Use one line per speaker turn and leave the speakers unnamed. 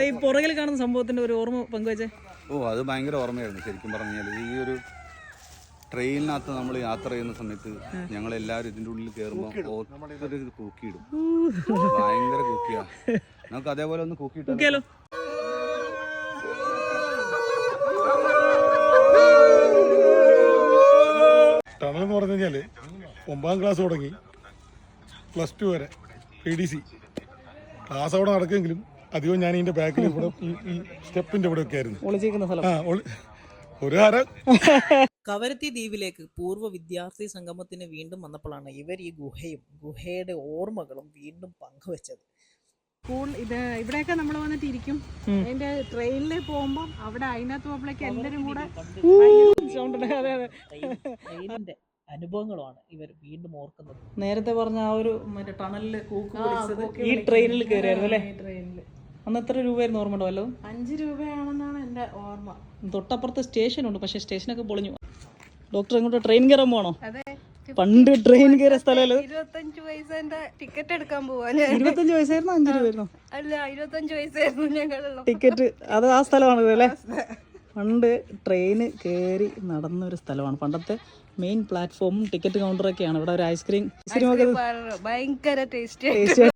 ഈ പുറകിൽ കാണുന്ന സംഭവത്തിന്റെ ഒരു ഓർമ്മ പങ്കുവെച്ചേ.
അത് ഭയങ്കര ഓർമ്മയായിരുന്നു ശരിക്കും പറഞ്ഞാൽ. ഈ ഒരു ട്രെയിനിനകത്ത് നമ്മൾ യാത്ര ചെയ്യുന്ന സമയത്ത് ഞങ്ങളെല്ലാവരും ഇതിൻ്റെ ഉള്ളിൽ കയറുമ്പോൾ ഒത്തിരി കൂക്കിയിടും. ഭയങ്കര കൂക്കിയാ. നമുക്ക് അതേപോലെ ഒന്ന് കൂക്കിയിട്ടാലോ?
ടണൽ എന്ന് പറഞ്ഞു കഴിഞ്ഞാൽ 9ാം ക്ലാസ് തുടങ്ങി +2 വരെ PDC ക്ലാസ് അവിടെ നടക്കുമെങ്കിലും അധികം ഞാൻ ഇതിന്റെ ബാക്കിൽ ഇവിടെ ഈ സ്റ്റെപ്പിന്റെ ഇവിടെ ഒക്കെ ആയിരുന്നു ഒരു
കവരത്തി ദ്വീപിലേക്ക് പൂർവ്വ വിദ്യാർത്ഥി സംഗമത്തിന് വീണ്ടും വന്നപ്പോഴാണ് ഇവർ ഈ ഗുഹയുടെ ഓർമ്മകളും വീണ്ടും പങ്കുവെച്ചത്.
ഇവിടെയൊക്കെ നമ്മൾ വന്നിട്ട് ഇരിക്കും. അതിന്റെ ട്രെയിനിൽ പോകുമ്പോൾ അവിടെ അതിനകത്ത് പോകുമ്പോഴേക്ക് എല്ലാവരും കൂടെ
ട്രെയിനിന്റെ അനുഭവങ്ങളുമാണ് ഇവർ വീണ്ടും ഓർക്കുന്നത്. നേരത്തെ പറഞ്ഞ ആ ഒരു മറ്റേ ടണലില് കൂക്ക് വിളിച്ചത് ഈ ട്രെയിനിൽ കയറിയായിരുന്നു അല്ലേ? അന്ന് എത്ര രൂപയായിരുന്നു ഓർമ്മ ഉണ്ടോ? വല്ലതും
5 രൂപയാണെന്നാണ് എൻ്റെ ഓർമ്മ.
തൊട്ടപ്പുറത്ത് സ്റ്റേഷനുണ്ട്, പക്ഷെ സ്റ്റേഷനൊക്കെ പൊളിഞ്ഞു. ഡോക്ടർ എങ്ങോട്ട് ട്രെയിൻ കയറാൻ പോകണോ? പണ്ട് ട്രെയിൻ കയറിയ സ്ഥലമല്ലോ.
25 പൈസന്റെ ടിക്കറ്റ് എടുക്കാൻ പോവാ.
25 പൈസയായിരുന്നു 5 രൂപയായിരുന്നു?
അല്ല, 25 പൈസയായിരുന്നു ഞങ്ങളുള്ള
ടിക്കറ്റ്. അത് ആ സ്ഥലമാണ് അല്ലേ? പണ്ട് ട്രെയിന് കയറി നടന്നൊരു സ്ഥലമാണ്. പണ്ടത്തെ മെയിൻ പ്ലാറ്റ്ഫോമും ടിക്കറ്റ് കൗണ്ടറൊക്കെയാണ്. ഇവിടെ ഒരു ഐസ്ക്രീം
ഭയങ്കര ടേസ്റ്റ്